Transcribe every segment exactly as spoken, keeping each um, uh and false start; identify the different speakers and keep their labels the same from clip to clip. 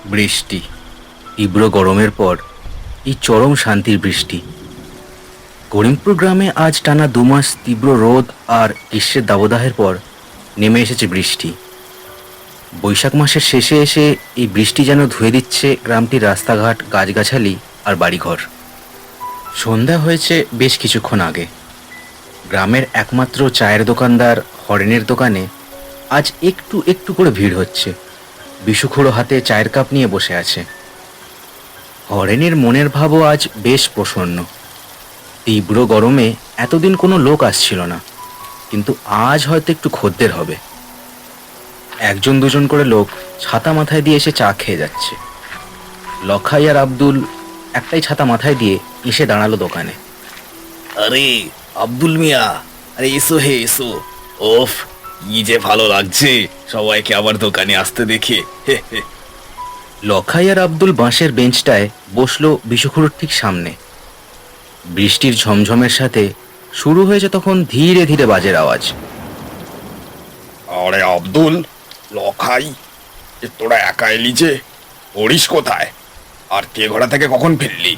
Speaker 1: বৃষ্টি, তীব্র গরমের পর এই চরম শান্তির বৃষ্টি। করিমপুর গ্রামে আজ টানা দু মাস তীব্র রোদ আর গ্রীষ্মের দাবদাহের পর নেমে এসেছে বৃষ্টি। বৈশাখ মাসের শেষে এসে এই বৃষ্টি যেন ধুয়ে দিচ্ছে গ্রামটির রাস্তাঘাট, গাছগাছালি আর বাড়িঘর। সন্ধ্যা হয়েছে বেশ কিছুক্ষণ আগে। গ্রামের একমাত্র চায়ের দোকানদার হরেনের দোকানে আজ একটু একটু করে ভিড় হচ্ছে। বিশুখুড়ো হাতে চায়ের কাপ নিয়ে বসে আছে। হরেনের মনের ভাবও আজ বেশ প্রসন্ন। তীব্র গরমে এতদিন কোনো লোক আসছিল না, কিন্তু আজ হয়তো একটু খদ্দের হবে। একজন দুজন করে লোক ছাতা মাথায় দিয়ে এসে চা খেয়ে যাচ্ছে। লখাই আর আব্দুল একটাই ছাতা মাথায় দিয়ে এসে দাঁড়ালো দোকানে।
Speaker 2: আরে আব্দুল মিয়া, আরে এসো হে এসো। ওফ, কি যে ভালো লাগছে সবাইকে আবার দোকানে আসতে দেখে। হে হে।
Speaker 1: লখাই আর আব্দুল বাঁশের বেঞ্চটায় বসলো বিশুখুড়োর ঠিক সামনে। বৃষ্টির ঝমঝমের সাথে শুরু হয়েছে তখন ধীরে ধীরে বাজের আওয়াজ।
Speaker 2: আরে আব্দুল, লখাই, এ তোরা একা এলি যে? হরিশ কোথায়? আর কে ঘোড়া থেকে কখন ফিরলি?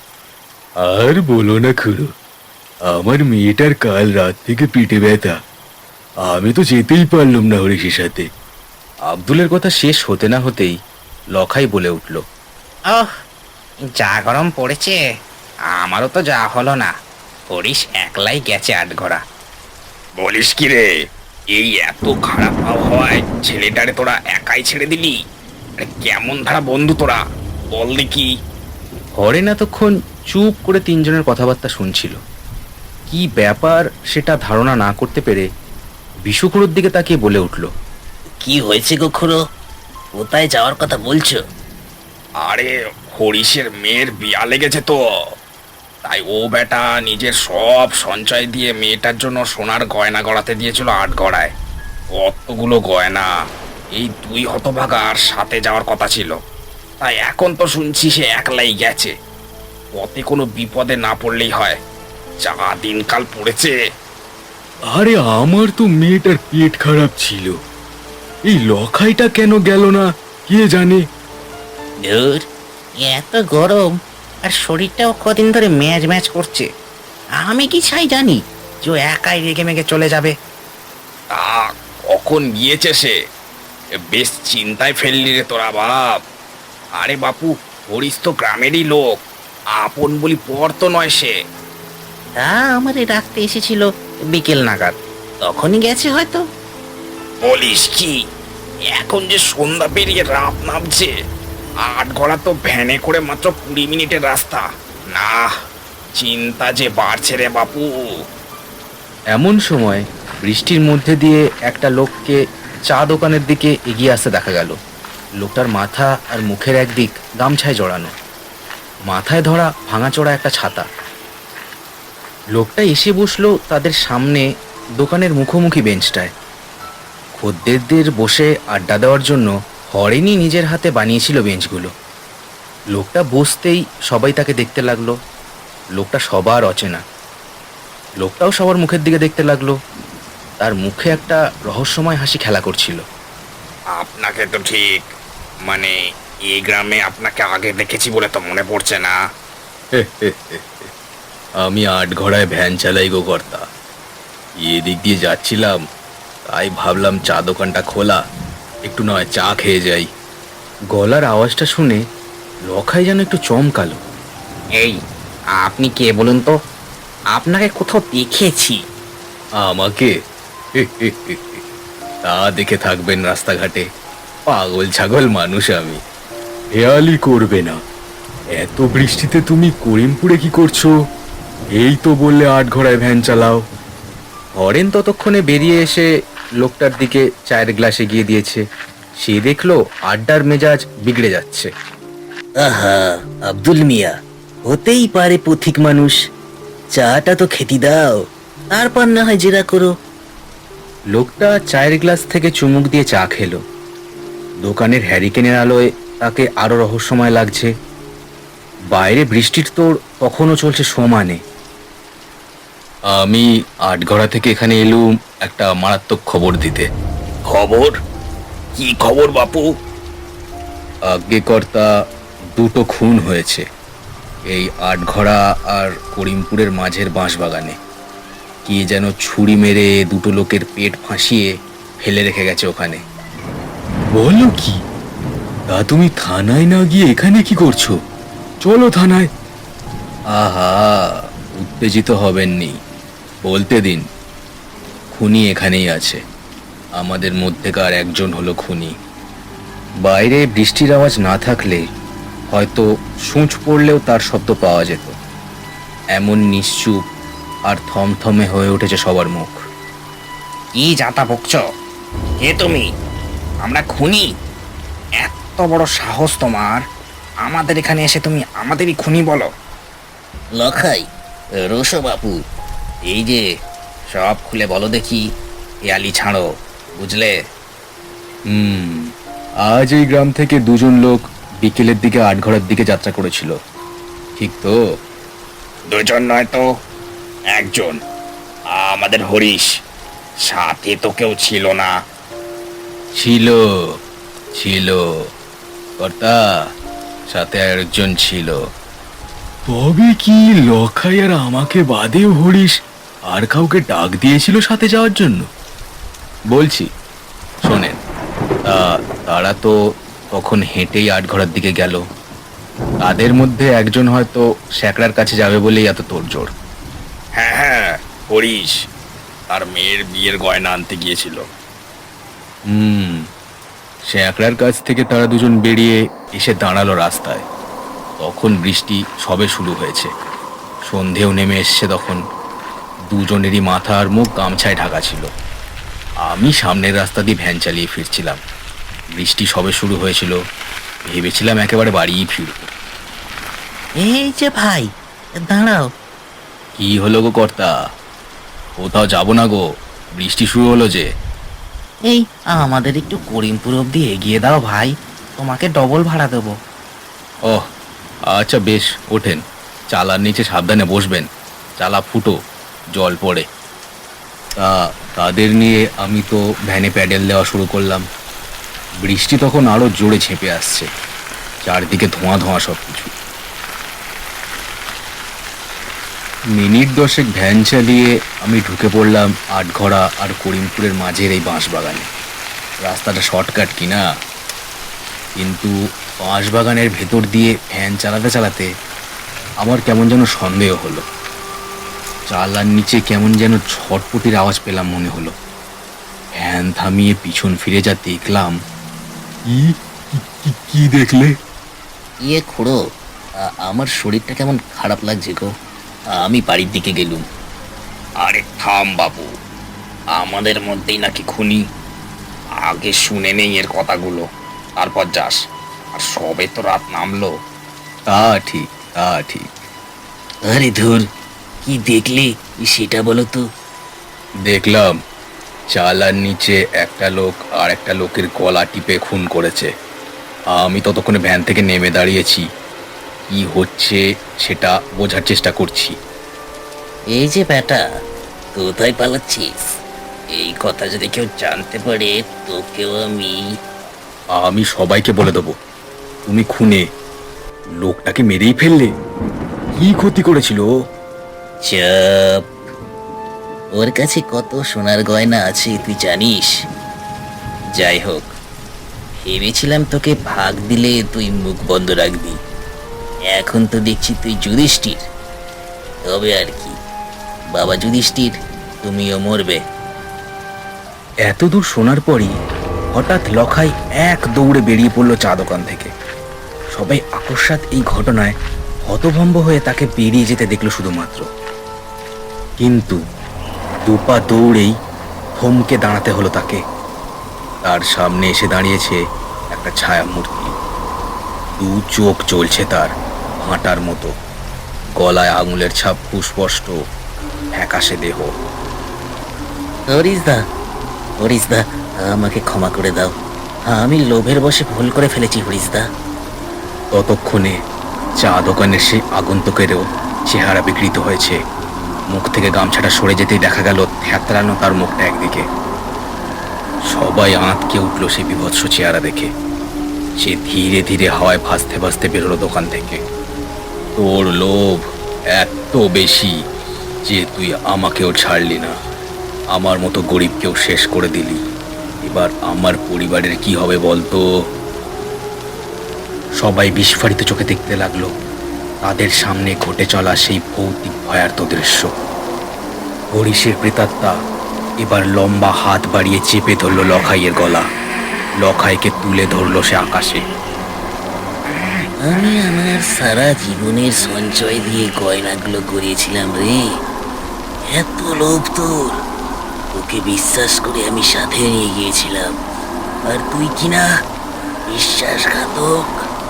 Speaker 3: আর বলো না খুড়ো, আমার মেয়েটার কাল রাত থেকে পিঠে ব্যথা। আমি তো যেতেই পারলাম না হরিশের সাথে।
Speaker 1: আব্দুলের কথা শেষ হতে না হতেই লখাই বলে উঠল,
Speaker 4: ওহ, যা গরম পড়েছে, আমারও তো যা হলো না। হরিশ একলাই গেছে আট ঘোড়া।
Speaker 2: বলিস কি রে? এই এত খারাপ আবহাওয়ায় ছেলেটারে তোরা একাই ছেড়ে দিলি? আরে কেমন ধারা বন্ধু তোরা, বল দেখি।
Speaker 1: হরেন এতক্ষণ চুপ করে তিনজনের কথাবার্তা শুনছিল। কি ব্যাপার সেটা ধারণা না করতে পেরে বিশুখুড়োর দিকে তাকিয়ে বলে উঠল,
Speaker 5: কি হয়েছে গো খুড়ো? কোথায় যাওয়ার কথা বলছো?
Speaker 2: আরে হরিশের মেয়ের বিয়া লেগেছে তো, তাই ও বেটা নিজের সব সঞ্চয় দিয়ে মেয়েটার জন্য সোনার গয়না গড়াতে দিয়েছিল আট গড়ায়। অতগুলো গয়না এই দুই হতভাগার সাথে যাওয়ার কথা ছিল, তাই এখন তো শুনছি সে একলাই গেছে। পথে কোনো বিপদে না পড়লেই হয়, যা দিনকাল পড়েছে।
Speaker 3: আরে আমার তো মেয়েটার পেট খারাপ ছিল, এই লখাইটা কেন গেল না কে জানে।
Speaker 4: ধুর, এত গরম আর শরীরটাও কদিন ধরে ম্যাচ ম্যাচ করছে। আমি কি চাই জানি যে ও একাই রেগে মেগে চলে যাবে?
Speaker 2: তা কখন গিয়েছে সে? এ বেশ চিন্তায় ফেললি রে তোরা বাপ। আরে বাপু, হরিশ তো গ্রামেরই লোক, আপন বলি পর তো নয় সে।
Speaker 4: তা আমারে রাখতে এসেছিল বিকেল নাগাদ, তখনই গেছে হয়তো।
Speaker 2: বলিস কি? এখন যে সন্ধ্যা পেরিয়ে রাত নামছে, আট ঘোড়া তো ভ্যানে করে মাত্র কুড়ি মিনিটের রাস্তা। না, চিন্তা যে বাড়ছে রে বাপু।
Speaker 1: এমন সময় বৃষ্টির মধ্যে দিয়ে একটা লোককে চা দোকানের দিকে এগিয়ে আসতে দেখা গেল। লোকটার মাথা আর মুখের একদিক গামছায় জড়ানো, মাথায় ধরা ভাঙাচোরা একটা ছাতা। লোকটা এসে বসলো তাদের সামনে দোকানের মুখোমুখি বেঞ্চটায়। খদ্দেরদের বসে আড্ডা দেওয়ার জন্য হরেনই নিজের হাতে বানিয়েছিল বেঞ্চগুলো। লোকটা বসতেই সবাই তাকে দেখতে লাগলো। লোকটা সবার অচেনা। লোকটাও সবার মুখের দিকে দেখতে লাগলো। তার মুখে একটা রহস্যময় হাসি খেলা করছিল।
Speaker 2: আপনাকে তো ঠিক, মানে এই গ্রামে আপনাকে আগে দেখেছি বলে তো মনে পড়ছে না।
Speaker 3: আমি আট ঘোড়ায় ভ্যান চালাই গো কর্তা, এদিক দিয়ে যাচ্ছিলাম, তাই ভাবলাম চা দোকানটা খোলা, একটু নয় চা খেয়ে যাই।
Speaker 1: গলার আওয়াজটা শুনে লখাই যেন একটু চমকালো।
Speaker 4: এই, আপনি কে বলুন তো? আপনাকে কোথাও দেখেছি।
Speaker 3: আমাকে? তা দেখে থাকবেন রাস্তাঘাটে, পাগল ছাগল মানুষ আমি। হেয়ালি করবে না, এত বৃষ্টিতে তুমি করিমপুরে কি করছো? এই তো বললে আট ঘোড়ায় ভ্যান চালাও।
Speaker 1: হরেন ততক্ষণে বেরিয়ে এসে লোকটার দিকে চায়ের গ্লাস এগিয়ে দিয়েছে। সে দেখলো আড্ডার মেজাজ বিগড়ে যাচ্ছে।
Speaker 5: আহা, আব্দুল মিয়া, হতেই পারে পথিক মানুষ। চাটা তো খেতে দাও, তারপর না হয় জেরা করো।
Speaker 1: লোকটা চায়ের গ্লাস থেকে চুমুক দিয়ে চা খেলো। দোকানের হ্যারিকেনের আলোয় তাকে আরো রহস্যময় লাগছে। বাইরে বৃষ্টির তোড় তখনও চলছে সমানে।
Speaker 3: আমি আটঘরা থেকে এখানে এলুম একটা মারাত্মক খবর দিতে।
Speaker 2: খবর? কি খবর বাপু?
Speaker 3: আজ্ঞে কর্তা, দুটো খুন হয়েছে এই আটঘরা আর করিমপুরের মাঝের বাঁশবাগানে। কে যেন ছুরি মেরে দুটো লোকের পেট ফাঁসিয়ে ফেলে রেখে গেছে ওখানে। বলো কি? তা তুমি থানায় না গিয়ে এখানে কি করছো? চলো থানায়। আহা, উত্তেজিত হবেননি, বলতে দিন। খুনি এখানেই আছে, আমাদের মধ্যেকার একজন হলো খুনি। বাইরে বৃষ্টির আওয়াজ না থাকলে হয়তো সূঁচ পড়লেও তার শব্দ পাওয়া যেত। এমন নিশ্চুপ আর থমথমে হয়ে উঠেছে সবার মুখ।
Speaker 4: কি যাতা বকছ? কে তুমি? আমরা খুনি? এত বড় সাহস তোমার, আমাদের এখানে এসে তুমি আমাদেরই খুনি বলো?
Speaker 5: লখাই, রোশো বাপু, এই যে
Speaker 4: সব খুলে বলো দেখি, হেয়ালি ছাড়ো, বুঝলে?
Speaker 3: হুম আজ এই গ্রাম থেকে দুজন লোক বিকেলের দিকে আটঘরার দিকে যাত্রা করেছিল, ঠিক তো?
Speaker 2: দুজন নয় তো, একজন। আমাদের হরিশ, সাথে তো কেউ ছিল না।
Speaker 3: ছিল ছিল কর্তা, সাথে আরেকজন ছিল। তবে কি লখাই আর আমাকে বাদেও হরিশ আর কাউকে ডাক দিয়েছিল সাথে যাওয়ার জন্য? বলছি, শোনেন। তা তারা তো তখন হেঁটেই আটঘরার দিকে গেল। তাদের মধ্যে একজন হয়তো স্যাকরার কাছে যাবে বলেই এত তোড়জোড়।
Speaker 2: হ্যাঁ হ্যাঁ, হরিশ আর মেয়ের বিয়ের গয়না আনতে গিয়েছিল।
Speaker 3: হুম স্যাকরার কাছ থেকে তারা দুজন বেরিয়ে এসে দাঁড়ালো রাস্তায়। তখন বৃষ্টি সবে শুরু হয়েছে, সন্ধেও নেমে এসছে তখন। দুজনেরই মাথা আর মুখ গামছায় ঢাকা ছিল। আমি সামনের রাস্তা দিয়ে ভ্যান চালিয়ে ফিরছিলাম। বৃষ্টি সবে শুরু হয়েছিল, ভেবেছিলাম একেবারে বাড়িই ফিরব।
Speaker 5: এই যে ভাই, দাঁড়াও।
Speaker 3: কি হলো গো কর্তা? কোথাও যাব না গো, বৃষ্টি শুরু হলো যে।
Speaker 4: এই আমাদের একটু করিমপুর অব্দি এগিয়ে দাও ভাই, তোমাকে ডবল ভাড়া দেবো।
Speaker 3: ওহ আচ্ছা বেশ, ওঠেন। চালার নিচে সাবধানে বসবেন, চালা ফুটো, জল পড়ে। তা তাদের নিয়ে আমি তো ভ্যানে প্যাডেল দেওয়া শুরু করলাম। বৃষ্টি তখন আরো জোরে ঝেঁপে আসছে, চারদিকে ধোঁয়া ধোঁয়া সব কিছু। মিনিট দশেক ভ্যান চালিয়ে আমি ঢুকে পড়লাম আটঘরা আর করিমপুরের মাঝের এই বাঁশবাগানে। রাস্তাটা শর্টকাট কিনা, কিন্তু বাঁশবাগানের ভেতর দিয়ে ভ্যান চালাতে চালাতে আমার কেমন যেন সন্দেহ হলো। চালার নিচে কেমন যেন ছটপটির আওয়াজ পেলাম মনে হলো। ভ্যান থামিয়ে পিছন ফিরে যা দেখলাম। কি দেখলে?
Speaker 5: ইয়ে খুড়ো, আ- আমার শরীরটা কেমন খারাপ লাগছে গো। আমি বাড়ির দিকে গেলুম।
Speaker 2: আরে থাম বাবু, আমাদের মধ্যেই নাকি খুনি? আগে শুনে নেই এর কথাগুলো, তারপর যাস। আর সবে তো রাত নামলো।
Speaker 3: তা ঠিক, তা ঠিক।
Speaker 5: আরে ধুর, কি দেখলে সেটা বলো তো।
Speaker 3: দেখলাম চালার নিচে একটা লোক আর একটা লোকের গলা টিপে খুন করেছে। আমি ততক্ষণে ভ্যান থেকে নেমে দাঁড়িয়েছি, কি হচ্ছে সেটা বোঝার চেষ্টা করছি।
Speaker 5: এই যে বেটা, কোথায় পালাচ্ছিস? এই কথা যদি কেউ জানতে পারে, তোকেও আমি।
Speaker 3: আমি সবাইকে বলে দেবো তুমি খুনে। লোকটাকে মেরেই ফেললে? কি ক্ষতি করেছিল ও?
Speaker 5: চাপ। ওর কাছে কত সোনার গয়না আছে তুই জানিস? যাই হোক, ভেবেছিলাম তোকে ভাগ দিলে তুই মুখ বন্ধ রাখবি। এখন তো দেখছি তুই যুধিষ্ঠির। তবে আর কি, বাবা যুধিষ্ঠির, তুমিও মরবে।
Speaker 1: এত দূর শোনার পরই হঠাৎ লখাই এক দৌড়ে বেরিয়ে পড়ল চা দোকান থেকে। সবাই আকস্মাৎ এই ঘটনায় হতভম্ব হয়ে তাকে বেরিয়ে যেতে দেখলো শুধুমাত্র। কিন্তু দুপা দৌড়েই থমকে দাঁড়াতে হলো তাকে। তার সামনে এসে দাঁড়িয়েছে একটা ছায়া মূর্তি। দু চোখ জ্বলছে তার ভাঁটার মতো, গলায় আঙুলের ছাপ সুস্পষ্ট, ফ্যাকাশে দেহ।
Speaker 5: হরিশ দা, হরিশ দা, আমাকে ক্ষমা করে দাও। আমি লোভের বশে ভুল করে ফেলেছি হরিশ দা।
Speaker 1: ততক্ষণে চা দোকানের সেই আগন্তুকেরও চেহারা বিকৃত হয়েছে। মুখ থেকে গামছাটা সরে যেতেই দেখা গেল থ্যাতরানো তার মুখটা একদিকে। সবাই আঁতকে উঠল সেই বিভৎস চেহারা দেখে।
Speaker 3: সে ধীরে ধীরে হাওয়ায় ভাসতে ভাসতে বেরোলো দোকান থেকে। তোর লোভ এত বেশি যে তুই আমাকেও ছাড়লি না, আমার মতো গরিবকেও শেষ করে দিলি। এবার আমার পরিবারের কি হবে বলতো?
Speaker 1: সবাই বিস্ফারিত চোখে দেখতে লাগলো তাদের সামনে ঘটে চলা সেই ভৌতিক ভয়ার্ত দৃশ্য। হরিশের প্রেতাত্মা এবার লম্বা হাত বাড়িয়ে চেপে ধরল লখাইয়ের গলা। লখাইকে তুলে ধরলো সে আকাশে।
Speaker 5: আমি আমার সারা জীবনের সঞ্চয় দিয়ে গয়নাগুলো গড়িয়েছিলাম রে। এত লোভ তোর! তোকে বিশ্বাস করে আমি সাথে নিয়ে গিয়েছিলাম, আর তুই কিনা বিশ্বাসঘাতক।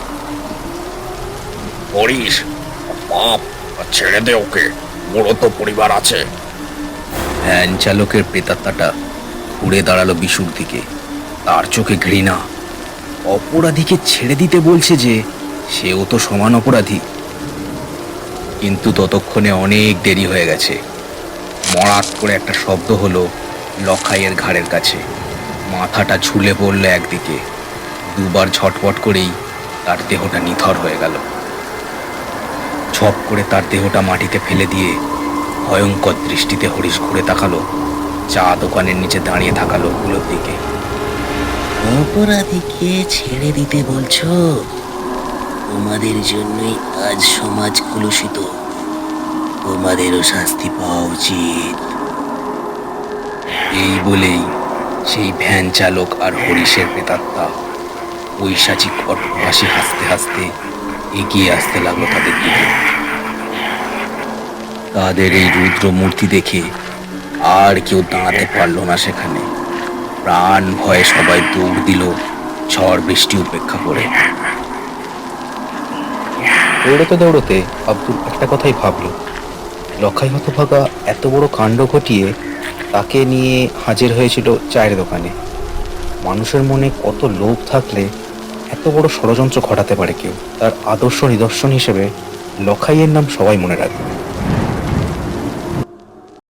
Speaker 2: হরিশ, বাপ, ছেড়ে দে ওকে, বড় তো পরিবার আছে।
Speaker 1: ভ্যান চালকের প্রেতাত্মাটা ঘুরে দাঁড়ালো বিশুর দিকে। তার চোখে ঘৃণা। অপরাধীকে ছেড়ে দিতে বলছে যে, সেও তো সমান অপরাধী। কিন্তু ততক্ষণে অনেক দেরি হয়ে গেছে। মরাত করে একটা শব্দ হলো লখাইয়ের ঘাড়ের কাছে। মাথাটা ঝুলে পড়ল একদিকে। দুবার ঝটপট করেই তার দেহটা নিথর হয়ে গেল। ঝপ করে তার দেহটা মাটিতে ফেলে দিয়ে ভয়ঙ্কর দৃষ্টিতে হরিশ ঘুরে তাকালো চা দোকানের নিচে দাঁড়িয়ে থাকা লোকগুলোর দিকে।
Speaker 5: অপরাধীকে ছেড়ে দিতে বলছো? তোমাদের জন্যই আজ সমাজ কলুষিত। তোমাদেরও শাস্তি পাওয়া উচিত।
Speaker 1: এই বলেই সেই ভ্যান চালক আর হরিশের প্রেতাত্মা পৈশাচিক অট্টহাসি হাসতে হাসতে এগিয়ে আসতে লাগলো তাদের দিকে। তাদের এই রুদ্র মূর্তি দেখে আর কেউ দাঁড়াতে পারলো না সেখানে। প্রাণ ভয়ে সবাই দৌড় দিল ঝড় বৃষ্টি উপেক্ষা করে। দৌড়তে দৌড়তে আব্দুল একটা কথাই ভাবলো, লখাই হতভাগা এত বড় কাণ্ড ঘটিয়ে তাকে নিয়ে হাজির হয়েছিল চায়ের দোকানে। মানুষের মনে কত লোভ থাকলে এত বড় ষড়যন্ত্র ঘটাতে পারে কেউ। তার আদর্শ নিদর্শন হিসেবে লখাইয়ের নাম সবাই মনে রাখবে।